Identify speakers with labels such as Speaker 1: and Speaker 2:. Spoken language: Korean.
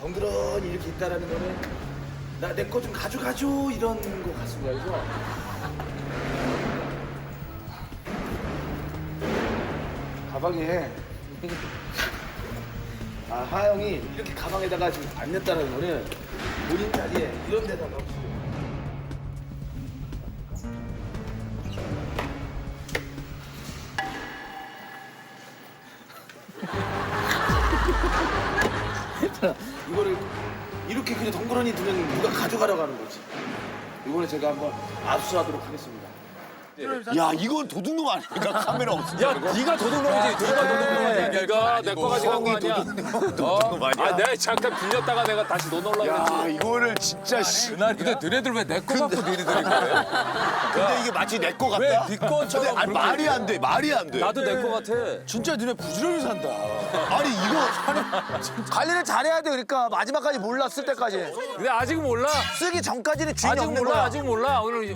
Speaker 1: 덩그러니 이렇게 있다라는 거는 나 내 거 좀 가져가줘 이런 거 같습니다. 그래서 가방에 하영이 이렇게 가방에다가 지금 안 냈다는 거는 본인 자리에 이런 데다가 이거를 이렇게 그냥 덩그러니 두면 누가 가져가려고 하는 거지. 이번에 제가 한번 압수하도록 하겠습니다.
Speaker 2: 야, 이건 도둑놈 아닙니까? 카메라 없으니까.
Speaker 3: 야, 네가 도둑놈이지. 누가 도둑놈이야? 네가 내 거 가져간 거 아니야?
Speaker 2: 도둑놈 아니야?
Speaker 3: 아, 내가 잠깐 빌렸다가 내가 다시 넣어놓으려고
Speaker 2: 야,
Speaker 3: 했지.
Speaker 2: 이거를 진짜 씨.
Speaker 3: 근데 너네들 왜 내 거 갖고 니네들이 그래?
Speaker 2: 근데 이게 마치 내 거 같다?
Speaker 3: 왜 네 거처럼
Speaker 2: 아니,
Speaker 3: 그렇게
Speaker 2: 말이 안 돼, 말이 안 돼.
Speaker 3: 나도 내 거 같아.
Speaker 4: 진짜 너네 부지런히 산다.
Speaker 2: 아니, 이거.
Speaker 4: 관리를 잘해야 돼. 그러니까 마지막까지 몰라 쓸 때까지.
Speaker 3: 근데 아직 몰라.
Speaker 4: 쓰기 전까지는 주인이
Speaker 3: 아직
Speaker 4: 없는
Speaker 3: 몰라.
Speaker 4: 거야.
Speaker 3: 아직 몰라. 오늘